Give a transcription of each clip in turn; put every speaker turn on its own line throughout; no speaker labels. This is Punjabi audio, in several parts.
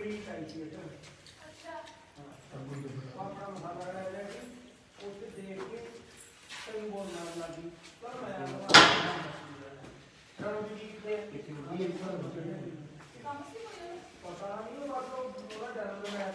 ਆਪਣਾ ਮਸਾਲਾ ਲੈ ਲਿਆ ਸੀ ਉੱਥੇ ਦੇਖ ਕੇ ਤੈਨੂੰ ਬੋਲ ਨਾਲ ਲੱਗੀ ਪਰ ਮੈਂ ਚਲੋ ਜੀ ਕਿਤੇ ਪਤਾ ਨਹੀਂ ਉਹ ਬਾਤੋਂ ਥੋੜਾ ਡਰ ਮੈਂ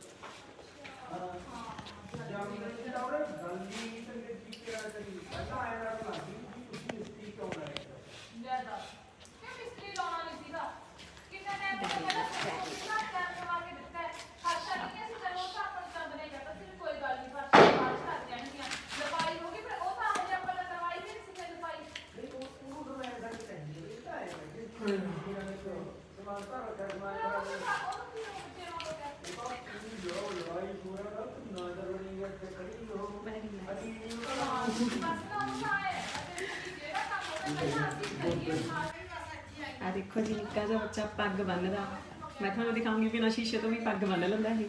ਜਾਮੀ ਨਹੀਂ ਲਾਉਣਾ ਗੰਦੀ ਤੰਗੇ ਕੀ ਕਰਾ ਕਰੀ ਪਹਿਲਾਂ ਆਇਆ ਨਾ ਲੱਗੀ ਤੁਸੀਂ ਮਿਸਤਰੀ ਕਿਉਂ ਆਏ
ਜ਼ਿਆਦਾ ਕਿ ਮਿਸਤਰੀ ਲਾਉਣਾ ਨਹੀਂ ਸੀਗਾ ਕਿੰਨਾ ਟਾਈਮ ਪਹਿਲਾਂ ਸੋਚਣਾ ਕਰਵਾ ਕੇ ਦਿੱਤਾ ਹੈ ਖਰਚਾ ਨਹੀਂ ਅਸੀਂ ਚਲੋ ਤਾਂ ਆਪਾਂ ਚੰਦ ਨਹੀਂ ਕਰਦਾ ਸਿਰ ਕੋਈ ਗੱਲ ਨਹੀਂ ਪਰ ਬਾਅਦ ਕਰ ਜਾਣਗੀਆਂ ਲਪਾਈ ਹੋ ਗਈ ਪਰ ਉਹ ਤਾਂ ਹਜੇ ਆਪਾਂ ਨੇ ਕਰਵਾਈ ਨਹੀਂ ਸੀ ਫਿਰ ਲਪਾਈ
ਨਹੀਂ ਉਹਨੂੰ ਤਾਂ ਮੈਂ ਇਹਦਾ ਨਹੀਂ ਕਹਿੰਦੀ ਇਹ ਤਾਂ ਆਇਆ ਕਿ ਸਮਾਨ ਤਾਂ ਕਰਨਾ ਹੈ
ਆ ਦੇਖੋ ਜੀ ਨਿੱਕਾ ਜਿਹਾ ਬੱਚਾ ਪੱਗ ਬੰਨਦਾ ਮੈਂ ਤੁਹਾਨੂੰ ਦਿਖਾਉਂਗੀ ਬਿਨਾਂ ਸ਼ੀਸ਼ੇ ਤੋਂ ਵੀ ਪੱਗ ਬੰਨ ਲੈਂਦਾ ਇਹ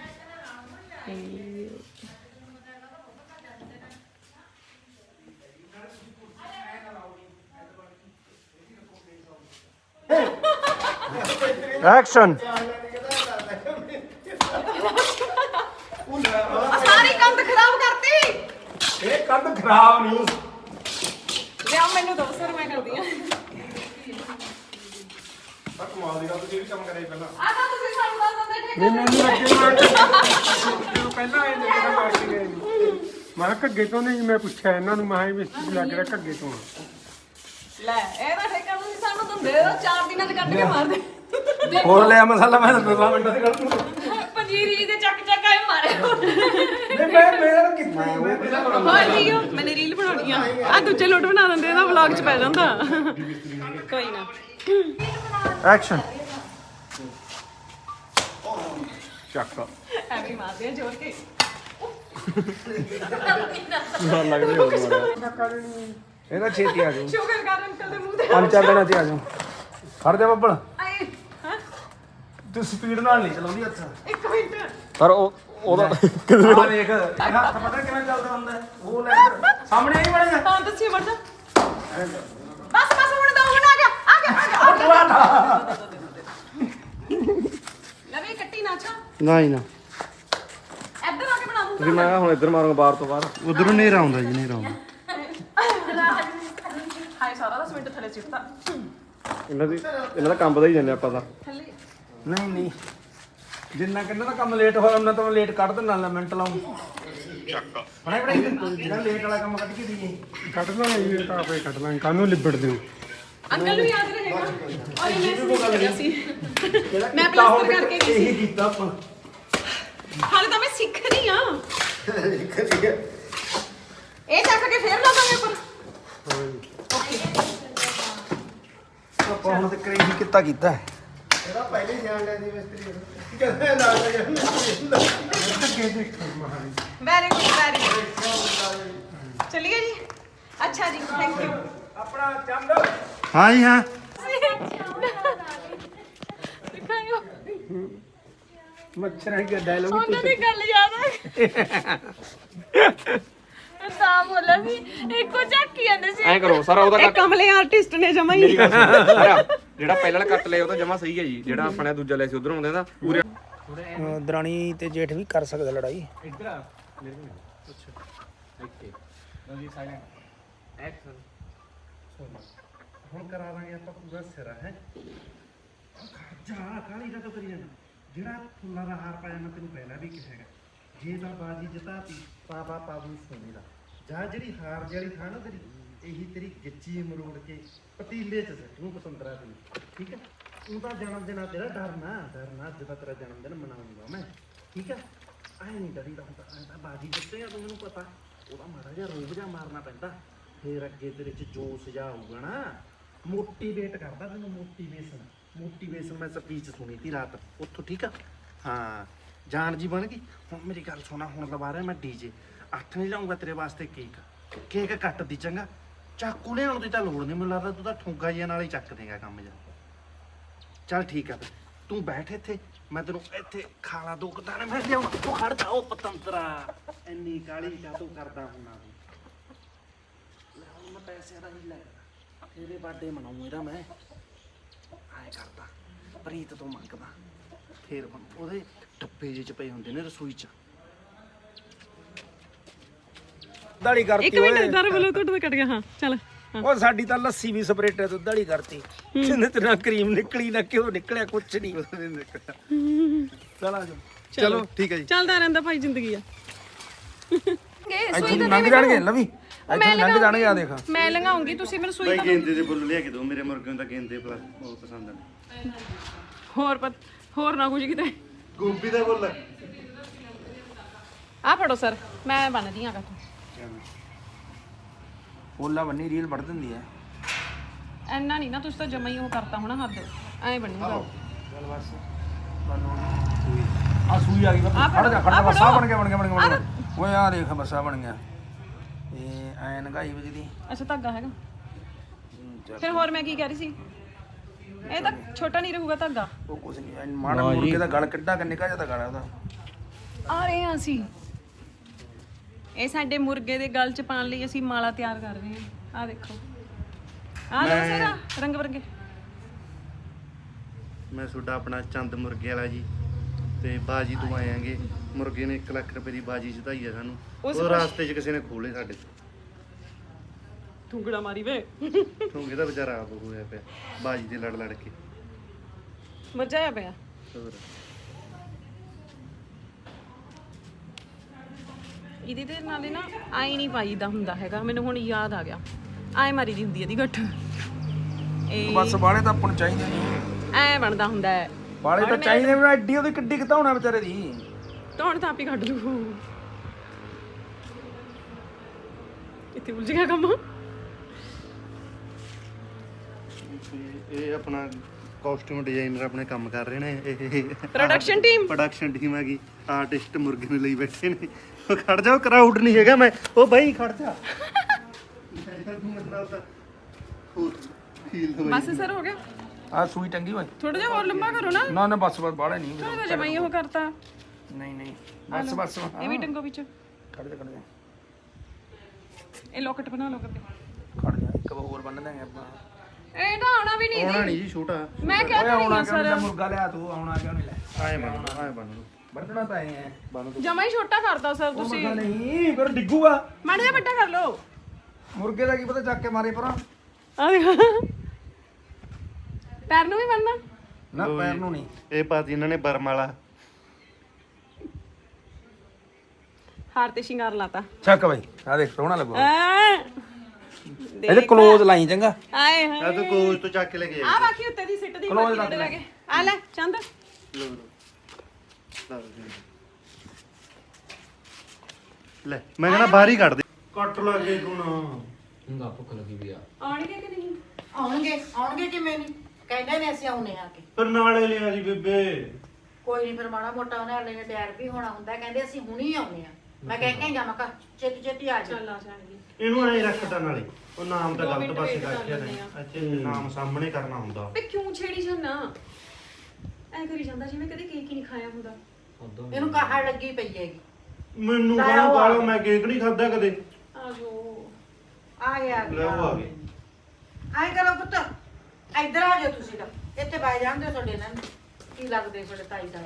ਐਕਸ਼ਨ
ਸਾਰੀ ਕੰਧ ਖਰਾਬ ਕਰਤੀ
ਇਹ ਕੰਧ ਖਰਾਬ ਨਹੀਂ
ਲਿਆ ਮੈਨੂੰ ਦੋ ਸਰ ਮੈਂ ਕਰਦੀ ਆ
ਕਮਾਲ ਦੀ ਗੱਲ ਤੁਸੀਂ ਵੀ ਕੰਮ ਕਰਿਆ ਪਹਿਲਾਂ
ਆ ਤਾਂ ਤੁਸੀਂ ਸਾਨੂੰ ਦੱਸ ਦਿੰਦੇ ਠੇਕਾ
ਨਹੀਂ ਮੈਨੂੰ ਲੱਗੇ ਪਹਿਲਾਂ ਇਹ ਜਿਹੜਾ ਮਾਰ ਕੇ ਗਏ ਮੈਂ ਘੱਗੇ ਤੋਂ ਨਹੀਂ ਮੈਂ ਪੁੱਛਿਆ ਇਹਨਾਂ ਨੂੰ ਮੈਂ ਵੀ ਲੱਗ ਰਿਹਾ ਘੱਗੇ ਤੋਂ
ਲੈ ਇਹਦਾ ਠੇਕਾ ਤੁਸੀਂ ਸਾਨੂੰ ਦਿੰਦੇ ਹੋ 4 ਦਿਨਾਂ ਚ ਕੱਢ ਕੇ ਮਾਰ ਦੇ
ਹੋਰ ਲਿਆ ਮਸਾਲਾ ਮੈਂ ਤਾਂ 2 ਮਿੰਟਾਂ ਦੀ ਗੱਲ ਨੂੰ
ਪੰਜੀਰੀ ਦੇ ਚੱਕ ਚੱਕ ਆਏ ਮਾਰੇ
ਨਹੀਂ ਮੈਂ ਮੇਰਾ ਕਿੱਥੇ ਮੈਂ ਪਹਿਲਾਂ
ਹੋਰ ਲਿਓ ਮੈਨੇ ਰੀਲ ਬਣਾਉਣੀ ਆ ਆ ਦੂਜੇ ਲੋਟ ਬਣਾ ਦਿੰਦੇ ਇਹਦਾ ਵਲੌਗ ਚ ਪੈ ਜਾਂਦਾ ਕੋਈ ਨਾ
ਐਕਸ਼ਨ ਚੱਕ
ਐਵੇਂ ਮਾਰਦੇ ਆ ਜੋਰ ਕੇ
ਮਾਰ ਲੱਗਦੀ ਹੋ ਇਹਦਾ ਛੇਤੀ ਆ ਜਾਓ
ਸ਼ੁਕਰ ਕਰ ਅੰਕਲ ਦੇ ਮੂੰਹ ਤੇ
5-4 ਦਿਨਾਂ ਚ ਆ ਜਾਓ ਖੜ ਜਾ ਬੱਬਲ
ਆਏ ਹਾਂ
ਤੂੰ ਸਪੀਡ ਨਾਲ ਨਹੀਂ ਚਲਾਉਂਦੀ ਅੱਛਾ
1 ਮਿੰਟ
ਪਰ ਉਹਦਾ ਆ ਦੇਖ ਹੱਥ ਪਤਾ ਕਿਵੇਂ ਚੱਲਦਾ ਹੁੰਦਾ ਉਹ ਲੈ ਸਾਹਮਣੇ ਨਹੀਂ ਬਣੇਗਾ
ਤਾਂ ਦੱਸੀ ਵਰਦਾ ਬਸ ਹੁਣ ਦੋ ਹੁਣ ਆ ਗਿਆ ਲੈ ਵੀ ਕੱਟੀ ਨਾ ਚਾ
ਨਹੀਂ ਨਾ
ਇੱਧਰ ਆ ਕੇ ਬਣਾ ਦੂੰ
ਤੁਸੀਂ ਮੈਂ ਹੁਣ ਇੱਧਰ ਮਾਰੂੰਗਾ ਬਾਹਰ ਤੋਂ ਬਾਹਰ ਉਧਰੋਂ ਨੇਰਾ ਆਉਂਦਾ ਜੀ ਨੇਰਾ ਆਉਂਦਾ
ਹਾਏ ਸਾਰਾ 10 ਮਿੰਟ ਥੱਲੇ ਚਿੱਟਾ
ਇਹਨਾਂ ਦਾ ਕੰਮ ਦਾ ਹੀ ਜਾਂਦੇ ਆਪਾਂ ਤਾਂ
ਥੱਲੇ
ਨਹੀਂ ਜਿੰਨਾ ਕਿੰਨਾ ਦਾ ਕੰਮ ਲੇਟ ਹੋਇਆ ਉਹਨਾਂ ਤੋਂ ਮੈਂ ਲੇਟ ਕੱਢ ਦਿੰਦਾ ਮਿੰਟ ਲਾਉਂ ਚੱਕ ਬਣਾਈ ਜਿਹੜਾ ਲੇਟ ਵਾਲਾ ਕੰਮ ਕੱਢ ਕੇ ਦਈਏ ਕੱਢ ਲਾਂਗੇ ਇਹ ਤਾਂ ਆਪੇ ਕੱਢ ਲਾਂਗੇ ਕਾਹਨੂੰ ਲਿਬੜ ਦਿਓ
ਅੰਕਲ ਨੂੰ ਯਾਦ ਰਹੇਗਾ ਔਰ ਮੈਂ ਸੁਣ ਰਿਹਾ ਸੀ ਮੈਂ
ਕੀਤਾ
ਪਲਸਟਰ ਕਰਕੇ ਗਈ
ਇਹੀ
ਸੀ
ਕੀਤਾ ਆਪਾਂ
ਹਾਲੇ ਤਾਂ ਮੈਂ ਸਿੱਖ ਰਹੀ ਆ ਇਹ ਚੱਕ ਕੇ ਫੇਰ ਲਾਵਾਂਗੇ ਉੱਪਰ
ਆਪਾਂ ਹੁਣ ਤੱਕ ਇਹੀ ਕੀਤਾ ਇਹਦਾ ਪਹਿਲੇ ਹੀ ਜਾਣ ਲੈਂਦੀ ਮਿਸਤਰੀ ਕਹਿੰਦੇ ਨਾਲ
ਵੈਰੀ ਗੁੱਡ ਚਲਿਏ ਜੀ ਅੱਛਾ ਜੀ ਥੈਂਕ ਯੂ
ਆਪਣਾ ਚੰਦ ਹਾਂ ਜੀ ਹਾਂ
ਦਿਖਾਇਓ
ਮੱਛਰਾਂ ਦਾ ਡਾਇਲੋਗ
ਉਹਨਾਂ ਦੀ ਗੱਲ ਯਾਦ ਆ ਤਾਂ ਬੋਲਿਆ ਸੀ ਇੱਕੋ ਝਾਕੀ ਜਾਂਦੇ ਸੀ
ਐ ਕਰੋ ਸਾਰਾ ਉਹਦਾ
ਇਹ ਕਮਲੇ ਆਰਟਿਸਟ ਨੇ ਜਮਾ ਹੀ
ਜਿਹੜਾ ਪਹਿਲਾਂ ਵਾਲਾ ਕੱਟ ਲਿਆ ਉਹ ਤਾਂ ਜਮਾ ਸਹੀ ਹੈ ਜੀ ਜਿਹੜਾ ਆਪਣੇ ਦੂਜਾ ਲੈ ਸੀ ਉਧਰੋਂ ਆਉਂਦੇ ਦਾ ਪੂਰੇ
ਦਰਾਣੀ ਤੇ ਜੇਠ ਵੀ ਕਰ ਸਕਦਾ ਲੜਾਈ
ਇੱਧਰ ਆ ਅੱਛਾ ਓਕੇ ਜੀ ਸਾਇਲੈਂਟ ਐਕਸ਼ਨ
ਹੁਣ ਕਰਾ ਦਾਂਗੇ ਆਪਾਂ ਪੂਰਾ ਸਿਰਾ ਹੈ ਜਾ ਕਾਲੀ ਦਾ ਤੋਂ ਕਰੀ ਜਾਣਾ ਜਿਹੜਾ ਫੁੱਲਾਂ ਦਾ ਹਾਰ ਪਾਇਆ ਮੈਂ ਤੈਨੂੰ ਪਹਿਲਾਂ ਵੀ ਕਿਹਾ ਹੈਗਾ ਜੇ ਤਾਂ ਬਾਜੀ ਜਿਤਾਤੀ ਪਾਪਾ ਪਾਬੂ ਸੋਨੇ ਦਾ ਜਾਂ ਜਿਹੜੀ ਹਾਰ ਜਿਹੜੀ ਥਾ ਨਾ ਤੇਰੀ ਇਹੀ ਤੇਰੀ ਗਿੱਚੀ ਮਰੋੜ ਕੇ ਪਤੀਲੇ 'ਚ ਸੱਟੂ ਪਤੰਦਰਾ ਦੀ ਠੀਕ ਹੈ ਤੂੰ ਤਾਂ ਜਨਮ ਦਿਨ ਆ ਤੇਰਾ ਡਰਨਾ ਅੱਜ ਦਾ ਤੇਰਾ ਜਨਮ ਦਿਨ ਮਨਾਉਂਗਾ ਮੈਂ ਠੀਕ ਹੈ ਐ ਨਹੀਂ ਡਰੀਦਾ ਹੁੰਦਾ ਐ ਤਾਂ ਬਾਜੀ ਜਿੱਤੇਗਾ ਤੂੰ ਮੈਨੂੰ ਪਤਾ ਉਹਦਾ ਮਾੜਾ ਜਿਹਾ ਰੋਬ ਜਿਹਾ ਮਾਰਨਾ ਪੈਂਦਾ ਫੇਰ ਅੱਗੇ ਤੇਰੇ 'ਚ ਜੋਸ਼ ਜਿਹਾ ਆਊਗਾ ਨਾ ਮੋਟੀਵੇਟ ਕਰਦਾ ਤੈਨੂੰ ਮੋਟੀਵੇਸ਼ਨ ਮੈਂ ਸਪੀਚ ਸੁਣੀ ਤੀ ਰਾਤ ਉੱਥੋਂ ਠੀਕ ਆ ਹਾਂ ਜਾਨ ਜੀ ਬਣ ਗਈ ਹੁਣ ਮੇਰੀ ਗੱਲ ਸੁਣਾ ਹੁਣ ਲਵਾ ਰਿਹਾ ਮੈਂ ਡੀਜੇ 8 ਨਹੀਂ ਲਾਉਂਗਾ ਤੇਰੇ ਵਾਸਤੇ ਕੇਕ ਕੱਟ ਦੀ ਚੰਗਾ ਚਾਕੂ ਲਿਆਉਣ ਦੀ ਤਾਂ ਲੋੜ ਨਹੀਂ ਮੈਨੂੰ ਲੱਗਦਾ ਤੂੰ ਤਾਂ ਠੁੰਗਾ ਜਿਹਾ ਨਾਲ ਹੀ ਚੱਕ ਦੇਗਾ ਕੰਮ ਜਾ ਚੱਲ ਠੀਕ ਆ ਫਿਰ ਤੂੰ ਬੈਠ ਇੱਥੇ ਮੈਂ ਤੈਨੂੰ ਇੱਥੇ ਖਾਲਾ ਦੋ ਕਦਾਨੇ ਮੈਂ ਲਿਆਉਣਾ ਤੂੰ ਖੜ ਜਾ ਉਹ ਪਤੰਤਰਾ ਇੰਨੀ ਕਾਲੀ ਕਾ ਤੂੰ ਕਰਦਾ ਹੁਣਾ ਲੈ ਹੁਣ ਮੈਂ ਪੈਸੇ ਦਾ ਹੀ ਲੈ ਤੇਰੇ ਬਰਥਡੇ ਮਨਾਉਂ ਇਹਦਾ ਮੈਂ ਆਏ ਕਰਦਾ ਪ੍ਰੀਤ ਤੋਂ ਮੰਗਦਾ ਫੇਰ ਉਹਦੇ ਟੱਪੇ ਜਿਹੇ ਚ ਪਏ ਹੁੰਦੇ ਨੇ ਰਸੋਈ ਚ।
ਦਾੜੀ ਕਰਤੀ
ਇੱਕ ਮਿੰਟ ਦਰ ਬੋਲੋ ਤੁਹਾਡਾ ਤਾਂ ਕੱਟ ਗਿਆ ਹਾਂ ਚੱਲ
ਉਹ ਸਾਡੀ ਤਾਂ ਲੱਸੀ ਵੀ ਸਪਰੇਟੇ ਤੋਂ ਦਾੜੀ ਕਰਤੀ ਜਿੰਨੇ ਤੇ ਨਾ ਕਰੀਮ ਨਿਕਲੀ ਨਾ ਘਿਓ ਨਿਕਲਿਆ ਕੁਛ ਨਹੀਂ ਚਲਾ
ਚਲੋ ਠੀਕ ਹੈ ਜੀ।
ਚੱਲਦਾ ਰਹਿੰਦਾ ਭਾਈ ਜ਼ਿੰਦਗੀ ਆ
ਇੱਥੋਂ ਦੀ ਲੰਘ ਜਾਣਗੇ ਲਵੀ ਇੱਥੋਂ ਲੰਘ ਜਾਣਗੇ ਆ ਦੇਖ
ਮੈਂ ਲੰਘਾਉਂਗੀ ਤੁਸੀਂ ਮੈਨੂੰ ਸੂਈ ਤਾਂ
ਗੇਂਦੇ ਦੇ ਫੁੱਲ ਲਿਆ ਕੇ ਦਿਓ, ਮੇਰੇ ਮੁਰਗੇ ਨੂੰ ਤਾਂ ਗੇਂਦੇ ਬਹੁਤ ਪਸੰਦ ਨੇ।
ਹੋਰ ਨਾ ਕੁਝ ਕਿਤੇ
ਗੋਭੀ ਦਾ ਫੁੱਲ
ਆ ਫੜੋ ਸਰ ਮੈਂ ਬੰਨਦੀ ਆ ਕੱਟ
ਓਲਾ ਬੰਨੀ ਰੀਲ ਵੜ ਦਿੰਦੀ ਐ
ਐਨਾ ਨਹੀਂ ਨਾ ਤੁਸੀਂ ਤਾਂ ਜਮਾ ਹੀ ਉਹ ਕਰਤਾ ਹੋਣਾ ਹੱਦ ਐ ਬਣੂਗਾ
ਚੱਲ ਬਸ ਆ ਸੂਈ ਆ ਗਈ ਖੜ ਜਾ ਬਸ ਆ ਬਣ ਗਿਆ ਓਏ ਆ ਦੇਖ ਬਸ ਆ ਬਣ ਗਿਆ ਇਹ ਐ ਨਗਾਈ ਵਜਦੀ
ਅੱਛਾ ਧਾਗਾ ਹੈਗਾ ਫਿਰ ਹੋਰ ਮੈਂ ਕੀ ਕਹਿ ਰਹੀ ਸੀ ਇਹ ਤਾਂ ਛੋਟਾ ਨਹੀਂ ਰਹੂਗਾ ਧਾਗਾ
ਉਹ ਕੁਛ ਨਹੀਂ ਮਾੜਾ ਮੁਰਗੇ ਦਾ ਗਲ ਕਿੱਡਾ ਕਿ ਨਿਕਾ ਜਾਂਦਾ ਗਲ ਉਹਦਾ
ਆ ਰਹੇ ਹਾਂ ਅਸੀਂ ਇਹ ਸਾਡੇ ਮੁਰਗੇ ਦੇ ਗਲ ਚ ਪਾਉਣ ਲਈ ਅਸੀਂ ਮਾਲਾ ਤਿਆਰ ਕਰ ਰਹੇ ਹਾਂ ਆ ਦੇਖੋ ਆ ਲੋ ਸਾਰਾ ਰੰਗ ਬਰੰਗੇ
ਮੈਂ ਤੁਹਾਡਾ ਆਪਣਾ ਚੰਦ ਮੁਰਗੇ ਵਾਲਾ ਜੀ ਤੇ ਬਾਜੀ ਤੋਂ ਆਏ ਆਂਗੇ। ਮੁਰਗੇ ਨੇ 1 ਲੱਖ ਰੁਪਏ ਦੀ ਬਾਜੀ ਜਿਤਾਈ ਆ ਸਾਨੂੰ। ਉਹ ਰਾਸਤੇ 'ਚ ਕਿਸੇ ਨੇ ਖੋਲੇ ਸਾਡੇ
ਠੁੰਗੜਾ ਮਾਰੀ ਵੇ
ਠੋਂਗੇ ਦਾ ਵਿਚਾਰਾ ਆਪ ਹੋਇਆ ਪਿਆ ਬਾਜੀ ਦੇ ਲੜ ਕੇ।
ਮਜ਼ਾ ਆਇਆ ਪਿਆ
ਹੋਰ
ਇਹਦੇ ਤੇ ਨਾਲੇ ਨਾ ਆਈ ਨਹੀਂ ਪਾਈਦਾ ਹੁੰਦਾ ਹੈਗਾ ਮੈਨੂੰ ਹੁਣ ਯਾਦ ਆ ਗਿਆ ਆਏ ਮਾਰੀ ਦੀ ਹੁੰਦੀ ਇਹਦੀ ਗੱਠ ਇਹ
ਬਸ ਬਾਲੇ ਤਾਂ ਆਪਾਂ ਨੂੰ ਚਾਹੀਦੇ ਨਹੀਂ
ਐ ਬਣਦਾ ਹੁੰਦਾ ਹੈ
ਬਾਲੇ ਤਾਂ ਚਾਹੀਦੇ ਵੀ ਐਡੀ ਉਹਦੀ ਕਿੱਡੀ ਘਤਾਉਣਾ ਵਿਚਾਰੇ ਦੀ
ਧੌਣ ਤਾਂ ਆਪ ਹੀ ਕੱਢ ਲੂ ਇੱਥੇ ਉਲਝ ਗਿਆ ਕੰਮ
ਇਹ ਆਪਣਾ ਕਾਸਟਿਊਮ ਡਿਜ਼ਾਈਨਰ ਆਪਣੇ ਕੰਮ ਕਰ ਰਹੇ ਨੇ। ਇਹ
ਪ੍ਰੋਡਕਸ਼ਨ ਟੀਮ
ਹੈਗੀ। ਆਰਟਿਸਟ ਮੁਰਗੇ ਨੂੰ ਲਈ ਬੈਠੇ ਨੇ। ਉਹ ਖੜ ਜਾਓ ਕਰਾਊਡ ਨਹੀਂ ਹੈਗਾ ਮੈਂ ਉਹ ਬਾਈ ਖੜ ਜਾ
ਬਸ ਸਰ ਹੋ ਗਿਆ
ਆ ਸੂਈ ਟੰਗੀ ਹੋਈ
ਥੋੜਾ ਜਿਹਾ ਹੋਰ ਲੰਬਾ ਕਰੋ ਨਾ
ਨਾ ਬਸ ਬਾਲੇ ਨਹੀਂ
ਥੋੜਾ ਜਿਹਾ ਮੈਂ ਉਹ ਕਰਤਾ
ਨਹੀਂ ਬਸ
ਇਹ ਵੀ ਟੰਗੋ ਵਿੱਚ
ਖੜ ਜਾ
ਇਹ ਲੋਕਟ ਬਣਾ ਲਓ ਕਰਦੇ
ਖੜ ਜਾ ਇੱਕ ਹੋਰ ਬੰਨ ਦਾਂਗੇ ਆਪਾਂ
ਇਹ ਤਾਂ ਆਉਣਾ ਵੀ ਨਹੀਂ
ਆਉਣਾ ਨਹੀਂ ਜੀ ਛੋਟਾ।
ਮੈਂ ਕਿਹਾ ਤਾਂ
ਆਉਣਾ
ਨਹੀਂ
ਕਿਉਂ
ਸਰ
ਨਹੀਂ ਮੁਰਗਾ ਲਿਆ ਤੂੰ ਆਉਣਾ ਕਿਉਂ ਨਹੀਂ ਲੈ
ਆਏ ਬਣ
ਬੰਨਣਾ ਤਾਂ ਐ ਹੈ
ਜਮਾ ਹੀ ਛੋਟਾ ਕਰਦਾ ਸਰ
ਉਹ
ਤੁਸੀਂ
ਮੁਰਗਾ ਨਹੀਂ ਫਿਰ ਡਿੱਗੂਗਾ
ਮਾੜਾ ਜਿਹਾ ਵੱਡਾ ਕਰ ਲਓ
ਮੁਰਗੇ ਦਾ ਕੀ ਪਤਾ ਚੱਕ ਕੇ ਮਾਰੇ ਪਰਾਂ
ਆ ਦੇਖ ਪੈਰ ਨੂੰ ਵੀ ਬੰਨਣਾ
ਨਾ ਪੈਰ ਨੂੰ ਨਹੀਂ
ਇਹ ਪਾਤੀ ਇਹਨਾਂ ਨੇ ਬਰਮ ਵਾਲਾ
ਹਾਰ ਤੇ ਸ਼ਿੰਗਾਰ ਲਾਤਾ
ਚੱਕ ਬਾਈ ਆ ਦੇਖ ਸੋਹਣਾ ਲੱਗੂ
ਐ
ਇਹਦੇ ਕਲੋਜ਼ ਲਾਈ ਚੰਗਾ
ਆਏ ਹਾਏ
ਆ ਤੂੰ ਕੋਚ ਤੋਂ ਚੱਕ ਕੇ ਲੈ ਕੇ
ਆ ਬਾਕੀ ਉੱਤੇ ਦੀ ਸਿੱਟ ਦੀ
ਕਲੋਜ਼
ਬਾਕੀ ਲੈ ਕੇ ਆ ਲੈ ਚੰਦ
ਲੈ ਮੈਂ ਕਹਿੰਦਾ ਬਾਹਰ ਹੀ ਕੱਢ ਦੇ ਕੱਟ ਲੱਗੇ ਗੁਣਾ
ਆਉਣਗੇ ਕਿ ਨਹੀਂ
ਆਉਣਗੇ ਕਿਵੇਂ ਨਹੀਂ ਕਹਿੰਦੇ ਨੇ ਅਸੀਂ ਆਉਨੇ ਆ ਕੇ
ਫਿਰ ਨਾਲੇ ਲਿਆ ਜੀ ਬੇਬੇ
ਕੋਈ ਨਹੀਂ ਫਿਰ ਮਾੜਾ ਮੋਟਾ ਉਹਨੇ ਹਲੇ ਨੇ ਤਿਆਰ ਵੀ ਹੋਣਾ ਹੁੰਦਾ ਕਹਿੰਦੇ ਅਸੀਂ ਹੁਣੀ ਆਉਨੇ ਆ ਮੈਂ ਕਹਿ ਕੇ ਜਾਵਾਂ ਕਾ ਛੇਤੀ ਆ ਜਾ
ਚੱਲ ਆ ਜਾਣਗੇ
ਇਹਨੂੰ ਐਂ ਰੱਖਦਾ ਨਾਲੇ ਉਹ ਨਾਮ ਤਾਂ ਗਲਤ ਪਾਸੇ ਰੱਖਿਆ ਨੇ ਅੱਛਾ ਨਾਮ ਸਾਹਮਣੇ ਕਰਨਾ ਹੁੰਦਾ
ਤੇ ਕਿਉਂ ਛੇੜੀ ਜਾਂਦਾ ਐ ਕਰੀ ਜਾਂਦਾ ਜਿਵੇਂ ਕਦੇ ਕੇਕ ਹੀ ਨਹੀਂ ਖਾਇਆ ਹੁੰਦਾ
ਇਹਨੂੰ ਕਾਹੜ ਲੱਗੀ ਪਈ ਹੈਗੀ
ਮੈਨੂੰ ਕਾਹਨੂੰ ਕਾਲੋ ਮੈਂ ਕੇਕ ਨਹੀਂ ਖਾਦਾ ਕਦੇ
ਆ ਜੋ
ਆ ਗਿਆ
ਲੈ ਉਹ ਆ ਗਏ
ਆਏ ਕਰੋ ਪੁੱਤ ਇੱਧਰ ਆ ਜਾਓ ਤੁਸੀਂ ਤਾਂ ਇੱਥੇ ਬੈ ਜਾਂਦੇ ਤੁਹਾਡੇ ਨਾਲ ਕੀ ਲੱਗਦੇ ਤੁਹਾਡੇ ਤਾਈ ਦਾ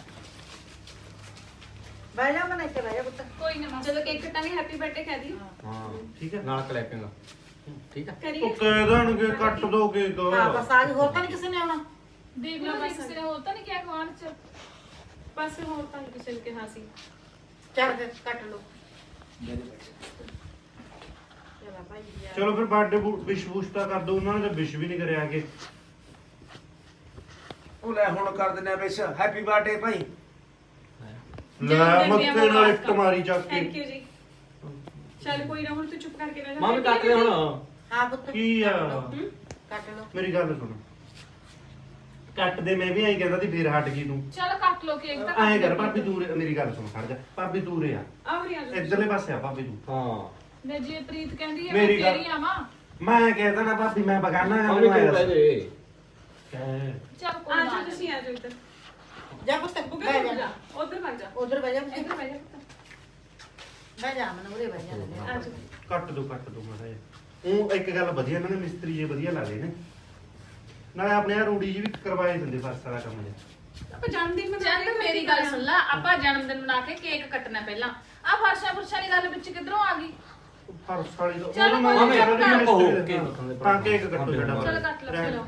ਬੈ ਜਾ ਮਨ ਇੱਥੇ ਬੈ ਜਾ ਪੁੱਤ
ਕੋਈ ਨਾ ਜਦੋਂ ਕੇਕ ਕੱਟਾਂਗੇ ਹੈਪੀ ਬਰਥਡੇ ਕਹਿ ਦੀ
ਹਾਂ ਠੀਕ ਹੈ
ਨਾਲ ਕਲੈਪਿੰਗ ਠੀਕ ਆ
ਕਰੀਏ
ਉਹ ਕਹਿ ਦੇਣਗੇ ਕੱਟ ਦੋ ਕੇਕ
ਹਾਂ ਬਸ ਅੱਜ ਹੋਰ ਤਾਂ ਨਹੀਂ ਕਿਸੇ ਨੇ ਆਉਣਾ
ਦੇਖ ਲਓ ਬਸ ਕਿਸੇ ਨੇ ਹੋਰ ਤਾਂ ਨਹੀਂ ਕਿਹਾ ਖਵਾਣ ਚ
ਬਸ ਹੋਰ ਤਾਂ ਨੀ ਕਿਸੇ ਨੇ ਕਿਹਾ ਸੀ
ਚੱਲ ਫਿਰ ਕੱਟ ਲਓ ਚਲਾ ਭਾਈ ਯਾਰ
ਚਲੋ ਫਿਰ ਬਰਥਡੇ ਵਿਸ਼ ਵੁਸ਼ ਤਾਂ ਕਰ ਦੋ ਉਹਨਾਂ ਨੇ ਤਾਂ ਵਿਸ਼ ਵੀ ਨਹੀਂ ਕਰਿਆ ਕਿ
ਉਹ ਲੈ ਹੁਣ ਕਰ ਦਿੰਦੇ ਆ ਵਿਸ਼ ਹੈਪੀ ਬਰਥਡੇ ਭਾਈ
ਲੈ ਮੱਥੇ ਨਾਲ ਇੱਟ ਮਾਰੀ ਚੱਕ
ਥੈਂਕ
ਕੇ
ਯੂ ਜੀ ਚੱਲ ਕੋਈ ਨਾ ਹੁਣ ਤੂੰ ਚੁੱਪ ਕਰਕੇ ਰਹਿ ਜਾ
ਮਾਮੀ ਕੱਟ ਲੈ ਹੁਣ
ਹਾਂ ਪੁੱਤ
ਕੀ ਆ
ਕੱਟ ਲਓ
ਮੇਰੀ ਗੱਲ ਸੁਣ ਕੱਟ ਦੇ ਮੈਂ ਵੀ ਐਂ ਕਹਿੰਦਾ ਸੀ ਫਿਰ ਹਟ ਗਈ ਤੂੰ
ਚਲ ਕੱਟ ਲੋ ਕੇਕ ਤਾਂ
ਐਂ ਕਰ ਭਾਬੀ ਤੂੰ ਮੇਰੀ ਗੱਲ ਸੁਣ ਖੜ ਜਾ ਭਾਬੀ ਤੂੰ ਰੇ ਆ
ਆਵਰੀ ਆ ਜਾ
ਇੱਧਰਲੇ ਪਾਸੇ ਆ ਭਾਬੀ ਤੂੰ
ਹਾਂ
ਨੇ ਜੇ ਪ੍ਰੀਤ ਕਹਿੰਦੀ ਹੈ ਮੈਂ
ਮੇਰੀ ਗੱਲ-
ਫੇਰ ਹੀ ਆਵਾਂ
ਮੈਂ ਕਹਿਦਾ ਨਾ ਭਾਬੀ ਮੈਂ ਬਗਾਨਾ ਆ
ਮਾਮੀ ਕਿਉਂ ਲੈ ਜੇ
ਕਹਿ
ਚਲ ਕੋਈ
ਆ
ਨਾ
ਜਾ ਤੁਸੀਂ ਆ ਜਾਓ ਇੱਧਰ
ਜਾ ਪੁੱਤ
ਬੁੱਗੇ
ਬੈ
ਹੋ
ਜਾ
ਜਾ ਉਧਰ ਭੱਜ ਜਾ
ਉਧਰ ਬੈ ਜਾ ਪੁੱਤ
ਇੱਧਰ ਭੱਜ ਜਾ
ਬੈ ਜਾ ਮਨ ਉਰੇ ਬੈ ਜਾ
ਆ ਜਾ
ਕੱਟ ਦੋ ਮਾੜਾ ਜਿਹਾ ਉਹ ਇੱਕ ਗੱਲ ਵਧੀਆ ਇਹਨਾਂ ਨੇ ਮਿਸਤਰੀ ਜੇ ਵਧੀਆ ਲਾ ਲਏ ਨੇ ਨਾਲੇ ਆਪਣੇ ਆ ਰੂੜੀ ਜੀ ਵੀ ਕਰਵਾਏ ਦਿੰਦੇ ਫਸ ਵਾਲਾ ਕੰਮ ਜੇ
ਆਪਾਂ ਜਨਮ ਦਿਨ ਮਨਾ
ਜਦ ਮੇਰੀ ਗੱਲ ਸੁਣ ਲੈ, ਆਪਾਂ ਜਨਮ ਦਿਨ ਮਨਾ ਕੇ ਕੇਕ ਕੱਟਣਾ ਪਹਿਲਾਂ। ਆ ਫਰਸ਼ਾਂ ਫੁਰਸ਼ਾਂ ਦੀ ਗੱਲ ਵਿੱਚ ਕਿੱਧਰੋਂ ਆ ਗਈ?
ਫਰਸ ਵਾਲੀ ਤੋਂ
ਚੱਲ
ਉਹਨੂੰ
ਕੋਈ
ਮੈਂ
ਨੀ,
ਕਿਹਾ
ਉਹ
ਵੀ
ਕੇਕ
ਹਾਂ ਕੇਕ ਕੱਟੋ ਸਾਡਾ
ਚਲ ਕੱਟ ਲਓ,
ਰਹਿਣ।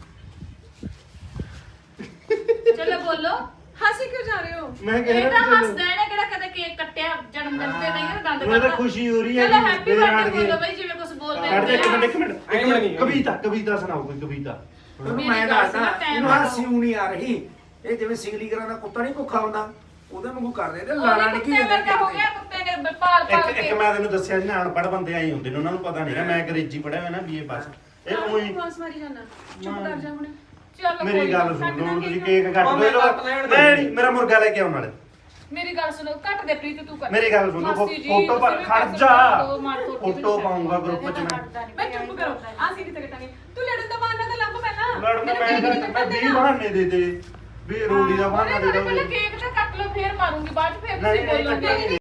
ਚਲੋ ਚਲੋ ਬੋਲੋ।
ਹਾਸੀ ਕਿਉਂ ਜਾ ਰਹੇ ਹੋ?
ਮੈਂ ਕਹਿ
ਇਹ
ਰਿਹਾ
ਤਾਂ
ਵੀ
ਹੱਸਦਾ ਇਹਨੇ ਕਿਹੜਾ ਕਦੇ ਕੇਕ ਕੱਟਿਆ ਜਨਮ ਦਿਨ ਤੇ ਨਹੀਂ ਦੰਦ
ਮੈਨੂੰ ਤਾਂ
ਕੱਟਦਾ।
ਖੁਸ਼ੀ ਹੋ ਰਹੀ ਹੈ
ਚਲੋ
ਜੀ,
ਹੈਪੀ
ਮੇਰੇ ਨਾਲ
ਬਰਥਡੇ
ਗਏ।
ਬੋਲੋ ਬਈ, ਜਿਵੇਂ ਕੁਝ ਬੋਲਦੇ
ਕੱਢ ਦੇ
ਹੁੰਦੇ
ਇੱਕ
ਆ।
ਮਿੰਟ ਕਵਿਤਾ ਸੁਣਾਓ ਕੋਈ ਕਵਿਤਾ।
ਉਹਨੂੰ
ਮੇਰੀ
ਮੈਂ
ਗੱਲ
ਦੱਸਦਾ
ਸੁਣ, ਟਾਈਮ
ਇਹਨੂੰ
ਨਾਲ
ਹਾਸੀ ਊ ਨਹੀਂ ਆ ਰਹੀ। ਇਹ ਜਿਵੇਂ ਸਿੰਗਲੀ ਕਰਾਂ ਦਾ ਕੁੱਤਾ ਨਹੀਂ ਭੁੱਖਾ ਹੁੰਦਾ ਉਹਦੇ ਵਾਂਗੂ ਕਰਦੇ ਤੇ
ਉਹਨੇ
ਲਾਣਾ ਨਹੀਂ
ਕੁੱਤੇ ਵਰਗਾ ਹੋ ਗਿਆ, ਕੁੱਤੇ ਨੇ ਪਾਲ ਪਾਲ
ਇੱਕ
ਕੇ।
ਮੈਂ ਤੈਨੂੰ ਦੱਸਿਆ ਸੀ ਨਾ ਅਨਪੜ੍ਹ ਬੰਦੇ ਆਈ ਹੁੰਦੇ ਨੇ ਉਹਨਾਂ ਨੂੰ ਪਤਾ ਨਹੀਂ ਮੈਂ ਅੰਗਰੇਜ਼ੀ ਪੜਿਆ ਹੋਇਆ ਨਾ ਬੀਏ ਪਾਸ ਇਹ ਉਹੀ
ਬਸ ਮਾਰੀ ਜਾਣਾ ਚੁੱਪ ਕਰ ਜਾ ਹੁਣ।
ਚਲੋ
ਮੇਰੀ
ਕੋਈ
ਗੱਲ
ਨੀ,
ਸੁਣ
ਕੱਟ
ਲਓ
ਦਾਂਗੇ
ਤੁਸੀਂ
ਕੇਕ।
ਕੇਕ ਕੱਟ
ਮੈਂ
ਦੋ
ਕੱਟ ਲੈਣ ਦੇ।
ਮੈਂ ਨਹੀਂ ਮੇਰਾ ਮੁਰਗਾ ਲੈ ਕੇ ਆਉਣ ਵਾਲੇ
ਮੇਰੀ ਗੱਲ ਸੁਣੋ, ਕੱਟ ਦੇ ਪ੍ਰੀਤ ਤੂੰ ਕਰ।
ਮੇਰੀ ਗੱਲ ਸੁਣੋ
ਮਾਸੀ ਜੀ,
ਫੋਟੋ
ਤੁਸੀਂ ਵੀ
ਖੜ
ਪੈਸੇ
ਜਾ
ਦਿਓ, ਮਾਰ ਤੋੜ ਕੇ
ਫੋਟੋ
ਵੀ
ਪਾਉਂਗਾ ਗਰੁੱਪ ਚ ਮੈਂ
ਮੈਂ ਚੁੱਪ ਕਰੋ ਅਸੀਂ ਕਿਤੇ ਕਟਾਂਗੇ। ਤੂੰ ਲੜਨ ਦਾ ਬਹਾਨਾ ਤਾਂ ਲੱਭ ਪਹਿਲਾਂ।
ਲੜਨ
ਮੈਨੂੰ
ਮੈਂ
ਕੇਕ ਨਹੀਂ
ਮੈਂ
ਕੱਟਣ
20
ਦੇਣਾ।
ਬਹਾਨੇ ਦੇ ਦੇ ਵੀ ਰੋੜੀ ਦਾ
ਉਹਨੇ
ਬਹਾਨਾ ਦੇ
ਤੁਹਾਡੇ
ਦੋ
ਪਹਿਲਾਂ ਕੇਕ ਤਾਂ ਕੱਟ ਲਓ, ਫੇਰ ਮਾਰੂੰਗੀ ਬਾਅਦ ਚ, ਫੇਰ
ਨਹੀਂ
ਤੁਸੀਂ ਬੋਲੋਗੇ।
ਕੱਟਾਂਗੇ